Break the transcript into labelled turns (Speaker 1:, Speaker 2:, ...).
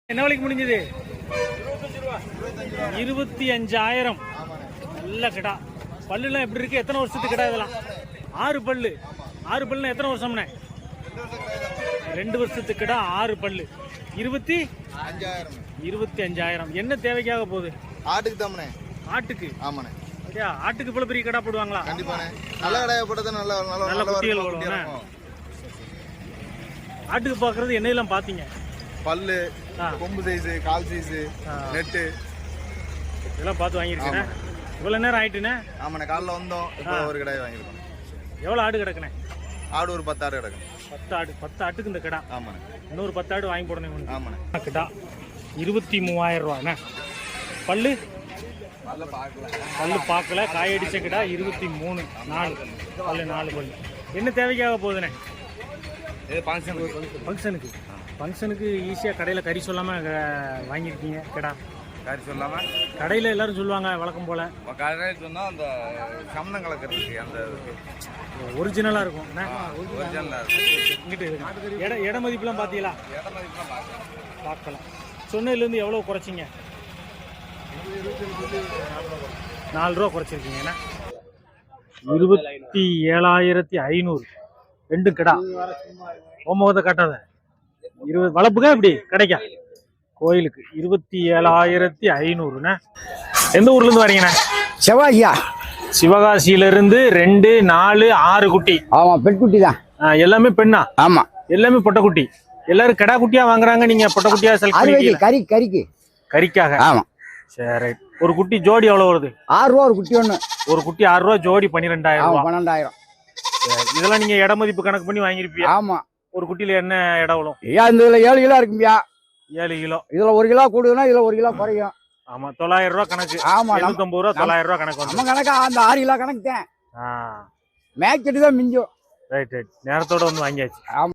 Speaker 1: என்ன விலைக்கு முடிஞ்சது? 25,000. நல்ல கிடா. பல்லுலாம் எப்படி இருக்கு? எத்தனை வருஷத்துக்கு கிடா இதெல்லாம்? 6 பல்லு. 6 பல்லுனா எத்தனை வருஷம்னே? 2 வருஷத்துக்கு கிடா, 6 பல்லு. 25,000. என்ன தேவைக்காக போகுது?
Speaker 2: ஆட்டுக்கு தாமனே.
Speaker 1: ஆட்டுக்கு?
Speaker 2: ஆமாண்ணே.
Speaker 1: அப்படியா? ஆட்டுக்கு இவ்வளவு பெரிய கடா போடுவாங்களா?
Speaker 2: கண்டிப்பாண்ணே. நல்ல கடையை போட்டது நல்ல
Speaker 1: குட்டிகள் போடுவாங்க. ஆட்டுக்கு பாக்குறது என்னெல்லாம் பாத்தீங்க?
Speaker 2: பல்லு, கொம்பு சைஸ், கால் சைஸ், நெட்டு
Speaker 1: இதெல்லாம் பார்த்து வாங்கியிருக்கேன். இவ்வளவு நேரம் ஆயிட்டுண்ணே?
Speaker 2: ஆமாண்ணே. காலைல வந்தோம், இப்போ ஒரு கடையை வாங்கியிருக்கோம்.
Speaker 1: எவ்வளவு ஆடு கிடக்குண்ணே?
Speaker 2: ஆடு ஒரு 10 ஆடு கிடக்கு.
Speaker 1: 10 ஆடு. 10 ஆட்டுக்கு இந்த கடா.
Speaker 2: ஆமாண்ணே.
Speaker 1: இன்னொரு 10 ஆடு வாங்கி போடணும்.
Speaker 2: ஆமாண்ணே.
Speaker 1: கிடா 23,000 ரூபாண்ணே. பல்லு பார்க்கல. காயடிச்ச கிடா 23. 4 பல்லு. 4 பல்லு. என்ன தேவைக்காக போகுதுண்ணே? ஃபங்க்ஷனுக்கு ஈஸியாக கடையில் கறி சொல்லாமல் வாங்கியிருக்கீங்க கிடா.
Speaker 2: கறி சொல்லாம
Speaker 1: கடையில் எல்லாரும் சொல்லுவாங்க வழக்கம் போல்.
Speaker 2: கடையில் சொன்னால் அந்த சமணம் கலக்கிறதுக்கு அந்த
Speaker 1: ஒரிஜினலாக இருக்கும்.
Speaker 2: ஒரிஜினலாக இருக்கும்.
Speaker 1: இங்கிட்டு இட மதிப்புலாம் பார்த்தீங்களா? பார்க்கலாம். சொன்னதுலேருந்து எவ்வளோ குறைச்சிங்க? 4 ரூபா குறைச்சிருக்கீங்கண்ணா. 27,500. 2 கிடா. முகத்தை காட்டாத. 20 வளர்ப்புக்கா இப்படி கிடைக்கா? கோயிலுக்கு 27,500. எந்த ஊர்ல இருந்து வரீங்கண்ணா?
Speaker 3: செவ்வாய்யா.
Speaker 1: சிவகாசியிலிருந்து 2, 4, 6 குட்டி.
Speaker 3: ஆமா, பெண் குட்டி தான்.
Speaker 1: எல்லாமே பெண்ணா?
Speaker 3: ஆமா,
Speaker 1: எல்லாமே பொட்டை குட்டி. எல்லாரும் கடா குட்டியா வாங்குறாங்க, நீங்க பொட்டை குட்டியா செலக்ட் பண்ணிருக்கீங்க?
Speaker 3: கறிக்கு
Speaker 1: கறிக்காக.
Speaker 3: ஆமா.
Speaker 1: சரி. ஒரு குட்டி ஜோடி எவ்வளவு வருது?
Speaker 3: 6 ரூபா ஒரு குட்டி ஒண்ணு.
Speaker 1: ஒரு குட்டி 6 ரூபா, ஜோடி 12,000 ரூபா.
Speaker 3: 12,000.
Speaker 1: இதெல்லாம் நீங்க இட மதிப்பு கணக்கு பண்ணி வாங்கிருப்பீங்க.
Speaker 3: ஆமா.
Speaker 1: ஒரு குட்டியில என்ன இடம் வரும்?
Speaker 3: இந்த 7 கிலோ இருக்கும்பியா.
Speaker 1: 7 கிலோ.
Speaker 3: இதுல 1 கிலோ கூடுதுன்னா இதுல 1 கிலோ குறையும்.
Speaker 1: ஆமா, 900 ரூபா கணக்கு.
Speaker 3: ஆமா,
Speaker 1: 750 ரூபா, 900 ரூபா கணக்கு.
Speaker 3: நம்ம கணக்கா அந்த 6 கிலோ கணக்கு தான். மேய்ச்சிட்டு தான் மிஞ்சும்.
Speaker 1: ரைட். நேரத்தோட வந்து வாங்கியாச்சு.
Speaker 3: ஆமா.